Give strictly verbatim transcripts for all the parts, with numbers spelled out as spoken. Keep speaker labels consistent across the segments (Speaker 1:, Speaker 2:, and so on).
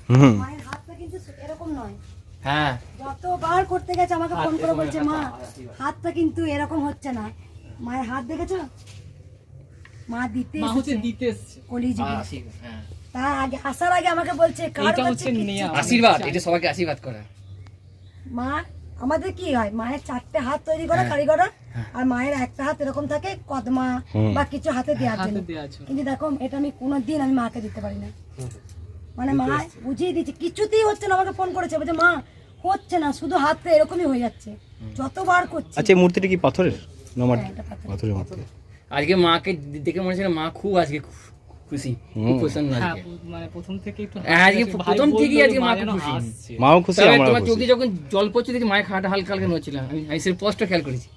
Speaker 1: মায়ের হাতটা কিন্তু এরকম নয়।
Speaker 2: হ্যাঁ,
Speaker 1: যতবার করতে গেছে আমাকে ফোন করে বলছে মা হাতটা কিন্তু এরকম হচ্ছে না। মায়ের হাত দেখেছো? মা দিতে এসেছে কলিযুগে।
Speaker 2: হ্যাঁ,
Speaker 1: তার আগে আসার আগে আমাকে বলছে কার হচ্ছে
Speaker 2: আশীর্বাদ, এটা সবাইকে আশীর্বাদ করা।
Speaker 1: মা আমাদের কি হয়, মায়ের চারটে হাত তৈরি করা কারিগররা, আর মায়ের একটা হাত এরকম থাকে কদমা বা কিছু হাতে দেওয়ার জন্য। কিন্তু দেখো এটা আমি কোনোদিন আমি মাকে দিতে পারি না। মানে মা বুঝিয়ে দিচ্ছে, কিছুতেই হচ্ছে না। আমাকে ফোন করেছে বলছে মা হচ্ছে না, শুধু হাতটা এরকমই হয়ে যাচ্ছে যতবার করছি।
Speaker 3: আচ্ছা এই মূর্তিটা কি পাথরের না মাটির? পাথরের মূর্তি।
Speaker 2: আজকে মাকে দেখে মনে হচ্ছে মা খুব আজকে খুশি, খুব প্রসন্ন আজকে।
Speaker 4: মানে প্রথম থেকে একটু
Speaker 2: আজকে প্রথম থেকেই আজকে মা খুব খুশি।
Speaker 3: মাও খুশি, আমরাও
Speaker 2: তোমার
Speaker 3: খুশি।
Speaker 2: চোখে যখন জল পড়ছে দেখি মায়ের খাটা হালকা হালকা নড়ছিল, আমি আমি সেটা স্পষ্ট খেয়াল করেছি।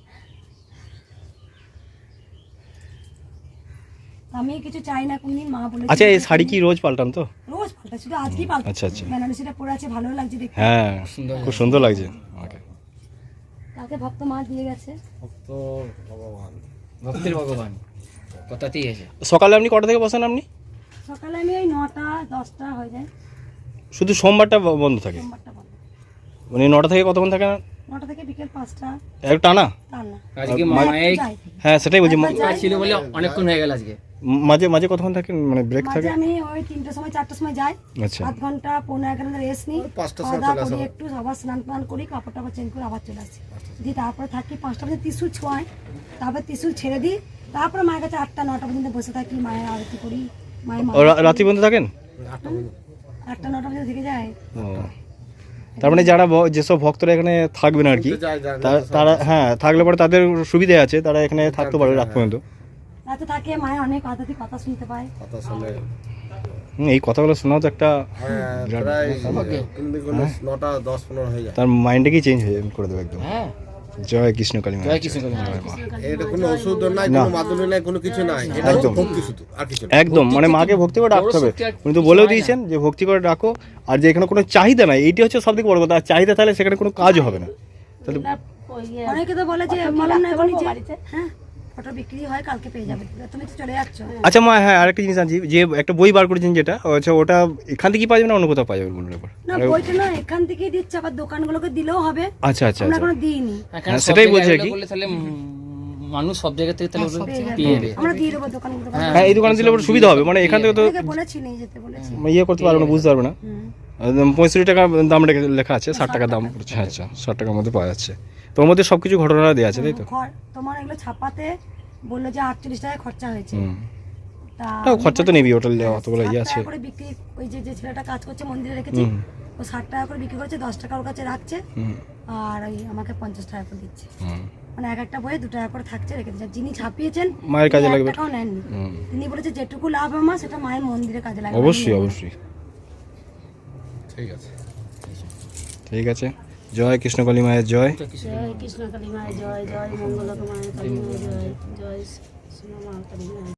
Speaker 1: আমি কিছু চাই না কোনদিন, মা বলে।
Speaker 3: আচ্ছা এই শাড়ি কি রোজ পাল্টান তো?
Speaker 1: রোজ পাল্টা, শুধু আজকেই পাল্টা।
Speaker 3: আচ্ছা আচ্ছা,
Speaker 1: বেনারসিটা পরে আছে, ভালো লাগছে দেখতে।
Speaker 3: হ্যাঁ খুব সুন্দর লাগছে আমাকে।
Speaker 1: কালকে ভক্ত মা দিয়ে গেছে।
Speaker 5: ভক্ত ভগবান,
Speaker 2: ভক্তের ভগবান কথাতেই আছে।
Speaker 3: সকালে আপনি কটা থেকে বসেন আপনি?
Speaker 1: সকালে আমি ওই নটা দশটা হয়ে যায়।
Speaker 3: শুধু সোমবারটা বন্ধ থাকে?
Speaker 1: সোমবারটা বন্ধ।
Speaker 3: মানে নটা থেকে কতক্ষণ থাকে?
Speaker 1: নটা থেকে বিকেল পাঁচটা।
Speaker 3: এক টানা?
Speaker 1: তার না
Speaker 2: আজকে মায়ের
Speaker 3: হ্যাঁ সেটাই বলছি,
Speaker 2: কাজ ছিল বলে অনেকক্ষণ হয়ে গেল আজকে।
Speaker 3: মাঝে মাঝে কতক্ষণ থাকে মানে ব্রেক
Speaker 1: মাঝে
Speaker 3: থাকে?
Speaker 1: আমি ওই তিনটার সময় চারটার সময় যাই,
Speaker 3: আচ্ছা
Speaker 1: আধ ঘন্টা পনেরো এক ঘন্টা রেস্ট নিই,
Speaker 5: পাঁচটার
Speaker 1: খাওয়া
Speaker 5: সময়
Speaker 1: দাওয়া
Speaker 5: চলে
Speaker 1: করি,
Speaker 5: আসা।
Speaker 1: একটু আবার স্নান টান করি, কাপড় টাপড় চেঞ্জ করে আবার চলে আসি। দিয়ে তারপরে থাকি পাঁচটা পর্যন্ত ত্রিশুল ছোঁয়াই, তারপর ত্রিশুল ছেড়ে দিই, তারপরে মায়ের কাছে আটটা নটা পর্যন্ত বসে থাকি, মায়ের আরতি করি, মায়ের মা
Speaker 3: ও, রা- রাত্রি পর্যন্ত থাকেন?
Speaker 1: আটটা নটা পর্যন্ত থেকে যায়।
Speaker 3: ও, তার মানে যারা ভ- যেসব ভক্তরা এখানে থাকবেন আর কি,
Speaker 5: যায়, যায়,
Speaker 3: তা- তারা হ্যাঁ থাকলে পরে তাদের সুবিধা আছে, তারা এখানে থাকতে পারে রাত পর্যন্ত।
Speaker 1: রাতে থাকে, মায়ের অনেক আধ্যাত্মিক কথা শুনতে পায়।
Speaker 5: কথা শুনে
Speaker 3: হুম, এই কথাগুলো শোনাও তো একটা
Speaker 5: হ্যাঁ,
Speaker 3: বিরাট-
Speaker 5: প্রায় কিন্তু কোনো নটা দশ পনেরো হয়ে যায়।
Speaker 3: তার মাইন্ডটাকেই চেঞ্জ হয়ে করে দেবে একদম।
Speaker 2: হ্যাঁ,
Speaker 3: জয় কৃষ্ণ কালী মা।
Speaker 2: জয় কৃষ্ণ কালী মা।
Speaker 5: এটা কোনো ওষুধ নাই, কোনো মাদুলি নাই, কোনো কিছু নাই, এটা হচ্ছে
Speaker 3: একদম।
Speaker 5: ভক্তি শুধু, আর কিছু না।
Speaker 3: একদম মানে মাকে ভক্তি করে ডাকতে হবে।
Speaker 2: শক্তি আর
Speaker 3: উনি তো বলেও দিয়েছেন যে ভক্তি করে ডাকো, আর যে এখানে কোনো চাহিদা নাই, এইটি হচ্ছে সব থেকে বড় কথা। আর চাহিদা তাহলে সেখানে কোনো কাজও হবে না। তাহলে
Speaker 1: অনেকে তো বলে যে বললাম না এখনই যে হ্যাঁ ফটো বিক্রি হয়, কালকে পেয়ে যাবে, তুমি তো চলে যাচ্ছ।
Speaker 3: আচ্ছা মা, হ্যাঁ আরেকটা জিনিস আনছি, যে একটা বই বার করেছেন যেটা, আচ্ছা ওটা এখান থেকে পাওয়া যাবে না অন্য কোথাও পাওয়া যাবে বলুন এবার?
Speaker 1: না বইটা না এখান থেকেই দিচ্ছে, আবার দোকানগুলোকে দিলেও হবে।
Speaker 3: আচ্ছা আচ্ছা
Speaker 1: আমরা
Speaker 3: আচ্ছা,
Speaker 1: কোনো দিইনি,
Speaker 2: এখানে
Speaker 3: হ্যাঁ,
Speaker 2: সব
Speaker 3: সেটাই
Speaker 2: জায়গায়
Speaker 3: বলছি আর কি।
Speaker 2: বললে তাহলে উম, মানুষ সব জায়গা থেকে তাহলে ওগুলো
Speaker 1: পেয়ে যাবে।
Speaker 2: পেয়ে যাবে।
Speaker 1: আমরা দিয়ে দেবো দোকানগুলো।
Speaker 3: হ্যাঁ এই দোকানে দিলে ওর সুবিধা হবে, মানে এখান থেকে তো
Speaker 1: অনেকে বলেছি নিয়ে যেতে বলেছি।
Speaker 3: ইয়ে করতে পারবে না, বুঝতে পারবে না।
Speaker 1: হুম।
Speaker 3: পঁয়ষট্টি টাকা দাম রেখে- লেখা আছে, ষাট টাকা দাম পড়ছে। আচ্ছা ষাট টাকার মধ্যে পাওয়া যাচ্ছে, তোর মধ্যে সব কিছু ঘটনা দেওয়া আছে তাই তো?
Speaker 1: খর- তোমার এগুলো ছাপাতে বললো যে আটচল্লিশ টাকা খরচা হয়েছে।
Speaker 3: হুম,
Speaker 1: তা
Speaker 3: না, খরচা তো নেবি, ওটা অতগুলো ইয়ে
Speaker 1: ষাট
Speaker 3: আছে।
Speaker 1: টাকা করে বিক্রি, ওই যে যে ছেলেটা কাজ করছে মন্দিরে রেখেছি,
Speaker 3: হুম।
Speaker 1: ও ষাট টাকা করে বিক্রি করছে, দশ টাকা ওর কাছে রাখছে,
Speaker 3: হুম,
Speaker 1: আর ওই আমাকে পঞ্চাশ টাকা করে দিচ্ছে।
Speaker 3: হুম।
Speaker 1: মানে এক একটা বইয়ে দু টাকা করে থাকছে, রেখে দিচ্ছে। যিনি ছাপিয়েছেন
Speaker 3: মায়ের কাজে
Speaker 1: তিনি এক
Speaker 3: লাগবে।
Speaker 1: টাকাও নেননি।
Speaker 3: হুম।
Speaker 1: তিনি বলেছে যেটুকু লাভ আমার সেটা মায়ের মন্দিরে কাজে লাগবে।
Speaker 3: অবশ্যই অবশ্যই,
Speaker 5: ঠিক আছে।
Speaker 3: ঠিক আছে। জয় কৃষ্ণ কালী মায়ের জয়।
Speaker 1: জয় কৃষ্ণ কালী মায়ের জয়, জয় মঙ্গল মায়ের কালী মায়ের জয়, জয় শ্রী মা কালী মায়ের